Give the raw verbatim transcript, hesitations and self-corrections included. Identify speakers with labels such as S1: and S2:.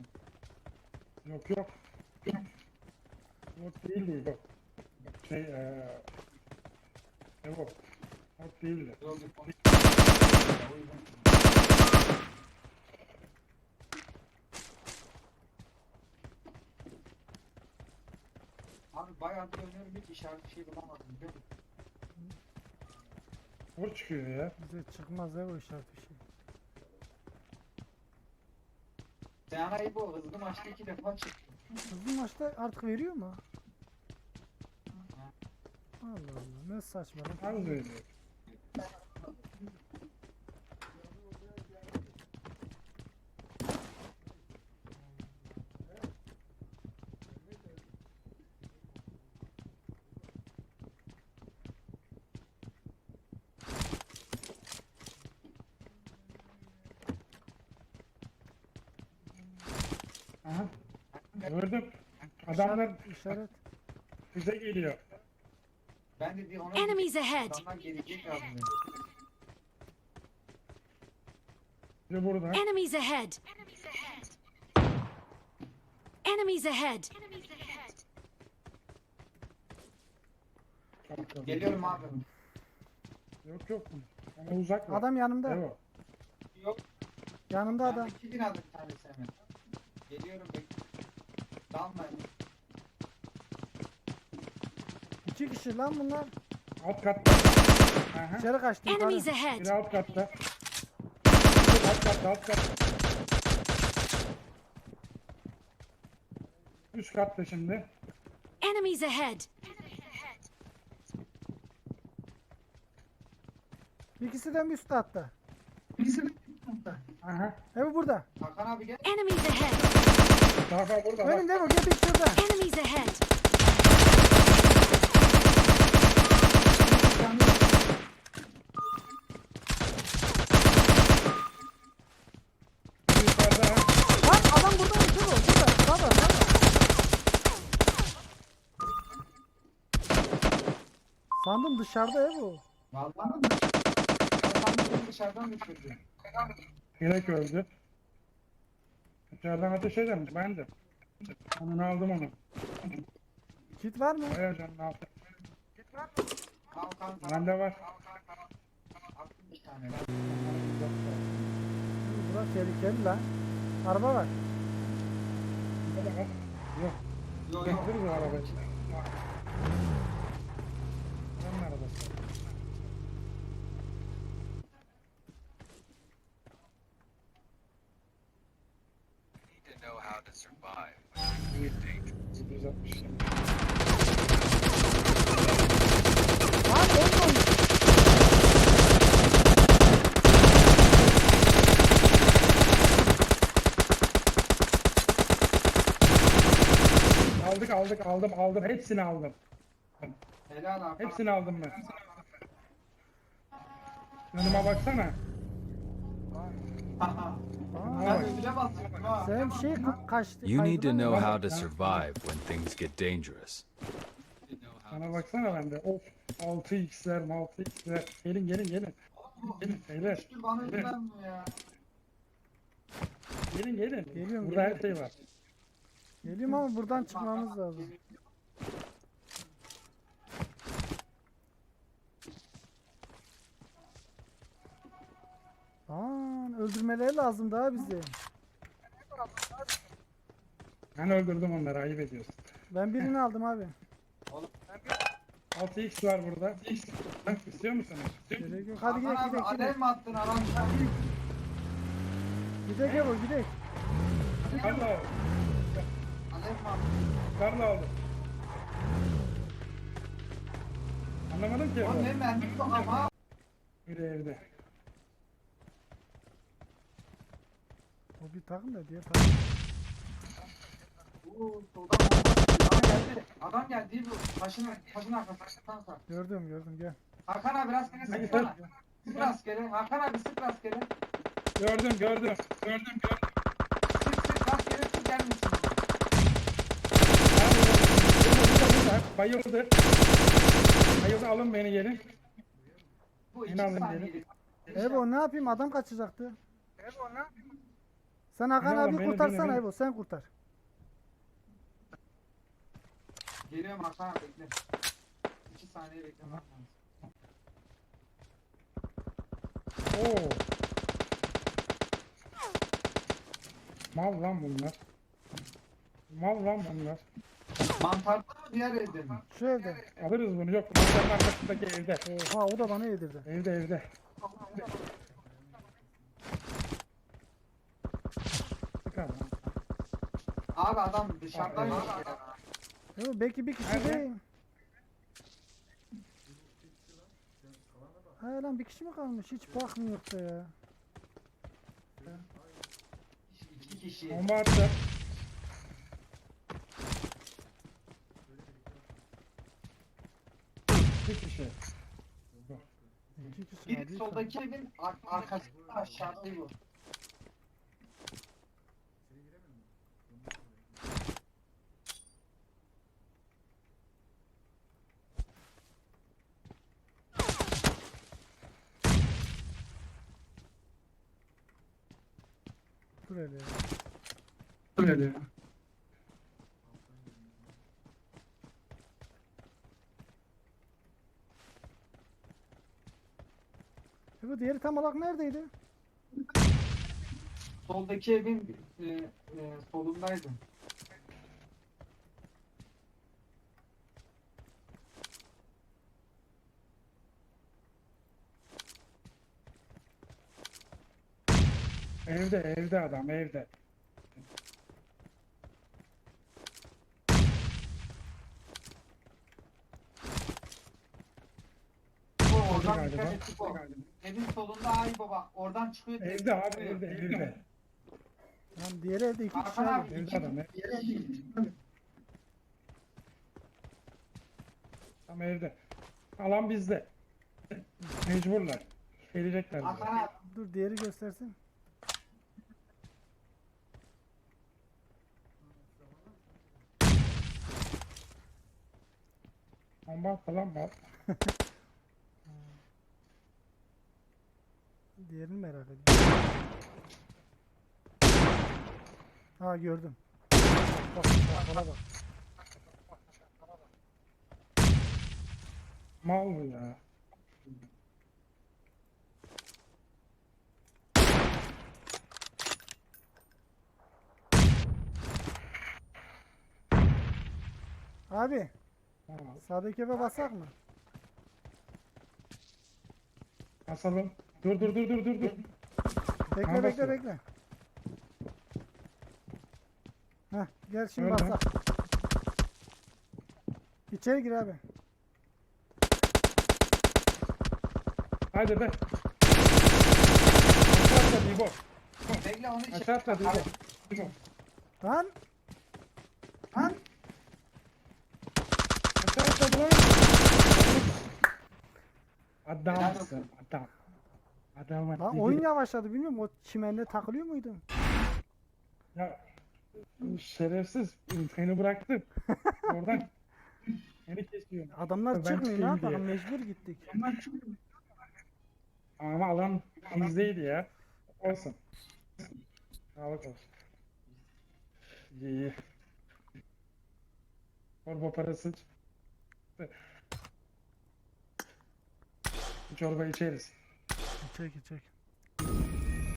S1: Yok yok. Yok değildi yok. Şey eee... Yok. Yok değildi.
S2: Abi bayağı bir oynuyorum, hiç işaret bir şey bulamadım biliyor musun?
S1: Vur çıkıyor ya.
S3: Bize çıkmaz ya o işaret bir şey.
S2: Sen arayı bu hızlı maçta iki defa çıktı.
S3: Hızlı maçta artık veriyor mu? Allah Allah, ne saçma lan.
S1: Az öyle. Aha. Gördüm. Adamlar
S3: İşaret, işaret.
S1: bize geliyor.
S2: Ben de bir ona
S4: Enemies ahead!
S2: adamlar gelecek lazım benim.
S1: Biri burada.
S4: Enemies ahead! Enemies ahead!
S2: Geliyorum abi.
S1: Yok yok. Ama uzak var.
S3: Adam yanımda.
S1: Evet.
S2: Yok.
S3: Yanımda
S2: Ben
S3: adam.
S2: iki bin aldım bir tanesi hemen. Geliyorum bekle. Dalmayın.
S3: İki kişi lan bunlar.
S1: Alt katta. Aha.
S3: İçeri kaçtı.
S4: Enemies
S3: yukarı.
S4: ahead!
S1: Biri alt katta. Alt katta alt katta. Üst katta şimdi.
S4: Enemies ahead!
S3: İkisi de mi üstte hatta?
S1: Aha.
S3: Evet burada.
S2: Hakan abi gel.
S4: Enemies ahead!
S1: Daha daha burada bak.
S3: Önümde bu, gel bir şurada.
S4: Enemies ahead!
S1: Yukarıda.
S3: Lan adam burada mı? Dur o, burada. Sağda, sağda. Sandım dışarıda ya bu.
S2: Vallahi mi? Hakan beni dışarıdan düşürdü.
S1: Gerek öldü. İçeriden ateş ederim. Ben de. Onu aldım onu.
S3: Kit var mı?
S1: Bayağı canını aldım.
S2: Hakan sana
S1: Bende var.
S2: attım bir tane.
S3: Burası tehlikeli lan. Araba var.
S1: Burada bak. Yok.
S2: Yok yok.
S1: Getiririz o arabayı. Adamın arabası.
S5: To know how to survive.
S1: yedi yüz altmış.
S3: Lan oyun oynuyor.
S1: Aldık aldık aldım aldım. Hepsini aldım.
S2: Helal Hakan.
S1: Hepsini aldım ben. Önüme baksana.
S2: Haha.
S3: Aa,
S2: Ben ödüle basıyorum ha.
S3: sen şey ka- kaçtı.
S6: You need to
S3: kaydıran
S6: know
S3: ya.
S6: how to survive when things get dangerous.
S1: Sana baksana bende. Of. altı x'ler altı x'ler. Gelin gelin gelin. Gelin beyler.
S2: Dur bana ödülenmiyor ya.
S1: Gelin gelin.
S3: Geliyorum,
S1: Burada her
S3: geliyorum.
S1: şey var.
S3: Geliyorum ama buradan çıkmamız lazım. Aa, öldürmeleri lazım daha bizi.
S1: Ben öldürdüm onları. Ayıp ediyorsun.
S3: Ben birini aldım abi.
S1: altı x var burada. Bak istiyor musunuz?
S3: Gerek yok. Hadi gidelim
S2: Hakan abi
S3: gidelim
S2: alev
S3: gidelim.
S2: mi attın adam?
S3: Gidelim gel o gidelim.
S1: Karla aldım.
S2: Alev mi attın?
S1: Karla aldım. Anlamadım ki.
S2: Oğlum ne mermi yok ama.
S1: Biri evde.
S3: O bir takım da diğer takım.
S2: Uuu soldan bomba. Adam geldi. Adam geldi bu. Taşın, taşın arkasından sar.
S3: Gördüm gördüm gel.
S2: Hakan abi rastgele sıksana. Sık rastgele. Hakan abi sık rastgele.
S1: Gördüm gördüm. Gördüm gördüm.
S2: Sık sık rastgele sık gelmesin.
S1: Bayıldı. Bayıldı alın beni gelin.
S2: Bu
S1: Yine
S2: iki
S1: alın
S2: saniyelik.
S3: Ebo ne yapayım adam kaçacaktı. Sen Hakan
S1: Beni alın,
S3: abi
S1: beni,
S3: kurtarsana
S1: beni, beni.
S3: Evo, sen kurtar.
S2: Geliyorum Hakan abi bekle. İki saniye beklemem lazım.
S1: Oo. Mal lan bunlar. Mal lan bunlar.
S2: Mantarda mı diğer evde mi?
S3: Şu evde.
S1: Alırız bunu. Yok, mantarın arkasındaki evde.
S3: Oha, o da bana yedirdi.
S1: Evde evde. Çıkar lan.
S2: Abi adam dışarıdaymış
S1: Aa,
S2: ya.
S3: Evo belki bir kişi
S1: Nerede?
S3: değil. Ha lan, bir kişi mi kalmış? Hiç bakmıyor da ya.
S2: İki kişi.
S1: Bomba attı. Bir kişi.
S3: İki kişi
S2: Bir
S3: var. Bir
S2: soldaki evin ar arkasında aşağıda bu.
S3: Dur hele ya.
S1: Öyle ya.
S3: Evo diğeri tam olarak neredeydi?
S2: Soldaki evin e, e, solundaydı.
S1: Evde evde adam evde.
S2: Bu
S1: Evde
S2: oradan
S1: galiba.
S2: dikkat et bu. Evin solunda ay baba. Oradan çıkıyor.
S1: Evde abi evde evde.
S3: Lan diğeri evde iki kişi
S2: Hakan
S3: abi.
S2: abi
S1: Evde
S2: iki
S1: adam. Tam evde. Alan bizde. Mecburlar. Gelecekler bize.
S2: Hakan abi.
S3: Dur diğeri göstersin.
S1: Bomba falan var.
S3: Diğerini merak ediyorum. Ha, gördüm. Bak bak bak bak.
S1: Mal bu ya.
S3: Abi
S1: Ha,
S3: sağdaki eve basak mı?
S1: Basalım. Dur dur dur dur dur dur.
S3: Bekle
S1: Ha,
S3: bekle
S1: basıyor.
S3: bekle. Heh, gel şimdi
S1: Öyle.
S3: basak. İçeri gir abi.
S1: Haydi be. Aşağı atladı İbo.
S2: Bekle onu içeri.
S1: Aşağı atladı İbo. İbo.
S3: Lan
S2: Lan.
S1: Aşağı atladı lan. Adamsın adam. Adam
S3: lan oyun yavaşladı, bilmiyorum, o çimende takılıyor muydun?
S1: Ya şerefsiz seni bıraktım. Oradan seni kesiyor.
S3: Adamlar
S1: Ben
S3: çıkmıyor, ne
S1: çıkayım diye.
S3: yapalım, mecbur gittik.
S1: Ama alan bizdeydi ya. Olsun. Sağlık olsun. İyi iyi. Çorba parası. Çorba içeriz.
S3: İçek içek.